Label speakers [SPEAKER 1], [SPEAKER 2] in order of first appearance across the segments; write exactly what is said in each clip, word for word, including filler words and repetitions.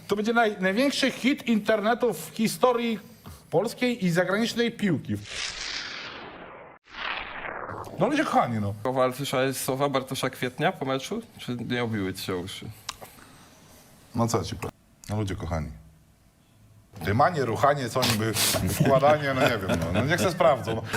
[SPEAKER 1] To będzie naj, największy hit internetu w historii polskiej i zagranicznej piłki. No ludzie kochani, no.
[SPEAKER 2] Kowal, słyszałeś słowa Bartosza Kwietnia po meczu? Czy nie obiły ci się uszy?
[SPEAKER 1] No co ci powiem? No ludzie kochani. Dymanie, ruchanie, co niby, wkładanie, no nie wiem, no, no niech se sprawdzą. No.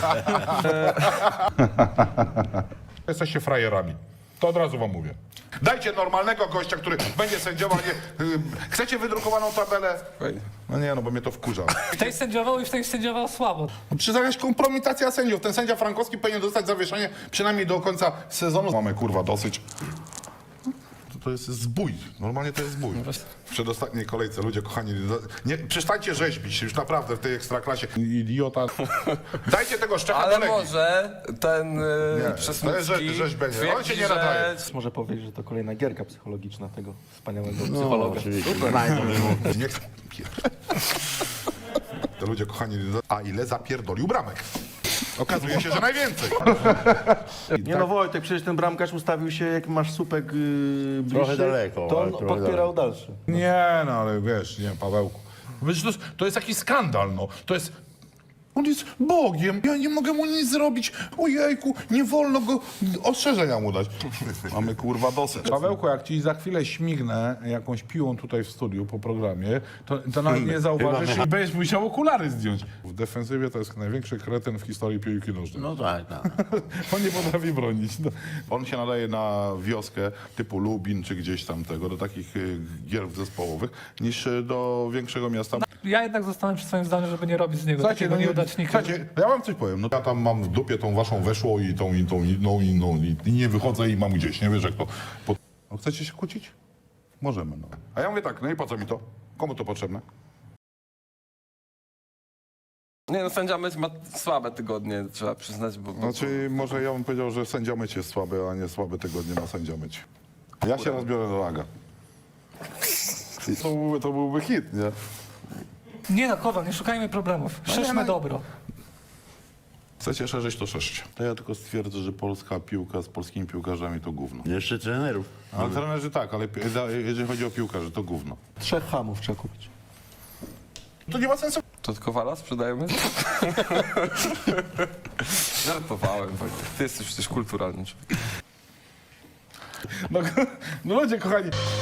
[SPEAKER 1] Jesteście frajerami. To od razu wam mówię. Dajcie normalnego gościa, który będzie sędziował, nie... y, Chcecie wydrukowaną tabelę?
[SPEAKER 2] Fajnie.
[SPEAKER 1] No nie, no bo mnie to wkurza.
[SPEAKER 3] W tej sędziował i w tej sędziował słabo.
[SPEAKER 1] No przecież jakaś kompromitacja sędziów. Ten sędzia Frankowski powinien dostać zawieszenie przynajmniej do końca sezonu. Mamy kurwa dosyć. To, to jest zbój. Normalnie to jest zbój. W przedostatniej kolejce, ludzie kochani, nie, przestańcie rzeźbić już naprawdę w tej ekstraklasie. Idiota. Dajcie tego Szczecha do
[SPEAKER 2] Ale
[SPEAKER 1] Legii.
[SPEAKER 2] może ten
[SPEAKER 1] Nie,
[SPEAKER 2] yy,
[SPEAKER 1] to jest
[SPEAKER 2] Przesmycki
[SPEAKER 1] rzeź- rzeźbienie. On się
[SPEAKER 2] twierdzi,
[SPEAKER 1] nie nadaje.
[SPEAKER 2] że...
[SPEAKER 4] Może powiedzieć, że to kolejna gierka psychologiczna tego wspaniałego
[SPEAKER 5] No,
[SPEAKER 4] psychologa.
[SPEAKER 5] oczywiście. Znajdą mu.
[SPEAKER 1] Nie chcę. To ludzie kochani, a ile zapierdolił bramek? Okazuje się, że najwięcej.
[SPEAKER 4] Nie no Wojtek, przecież ten bramkarz ustawił się, jak masz słupek yy, bliższy,
[SPEAKER 5] Trochę daleko,
[SPEAKER 4] to
[SPEAKER 5] ale
[SPEAKER 4] on
[SPEAKER 5] trochę
[SPEAKER 4] podpierał dalszy.
[SPEAKER 1] Nie, no ale wiesz, nie, Pawełku. Wiesz, to, jest, to jest jakiś skandal, no. To jest... On jest Bogiem, ja nie mogę mu nic zrobić. Ojejku, nie wolno go ostrzeżenia mu dać. Mamy kurwa dosyć. Pawełku, jak ci za chwilę śmignę jakąś piłą tutaj w studiu po programie, to, to nawet nie zauważysz i będziesz musiał okulary zdjąć. W defensywie to jest największy kretyn w historii piłki nożnej.
[SPEAKER 5] No tak, tak.
[SPEAKER 1] On nie potrafi bronić. No. On się nadaje na wioskę typu Lubin czy gdzieś tam tego, do takich y, gier zespołowych, niż y, do większego miasta.
[SPEAKER 3] Ja jednak zostanę przy swoim zdaniu, żeby nie robić z niego
[SPEAKER 1] Słuchajcie,
[SPEAKER 3] takiego
[SPEAKER 1] no nie,
[SPEAKER 3] nieudacznika.
[SPEAKER 1] słuchajcie, ja wam coś powiem. No, ja tam mam w dupie tą waszą weszło i tą, i tą, inną, inną i, i nie wychodzę i mam gdzieś, nie wiesz jak to. Po... No, chcecie się kłócić? Możemy, no. A ja mówię tak, no i po co mi to? Komu to potrzebne?
[SPEAKER 2] Nie no, sędzia Myć ma słabe tygodnie, trzeba przyznać, bo... bo
[SPEAKER 1] Znaczy, może ja bym powiedział, że sędzia myć jest słaby, a nie słabe tygodnie ma sędzia myć. Ja się rozbiorę do laga. I to, byłby, to byłby hit, nie?
[SPEAKER 3] Nie no, Kowal, nie szukajmy problemów. Szerzmy
[SPEAKER 1] no-
[SPEAKER 3] dobro.
[SPEAKER 1] Chcecie szerzyć, to szerzcie. To ja tylko stwierdzę, że polska piłka z polskimi piłkarzami to gówno.
[SPEAKER 5] Jeszcze trenerów.
[SPEAKER 1] Ale trenerzy tak, ale pi- jeżeli chodzi o piłkarzy, to gówno.
[SPEAKER 4] Trzech hamów trzeba kupić.
[SPEAKER 1] To nie ma sensu.
[SPEAKER 2] To od Kowala sprzedajemy? Żartowałem, Wojtek. Ty jesteś przecież kulturalny człowiek.
[SPEAKER 1] No, no ludzie kochani,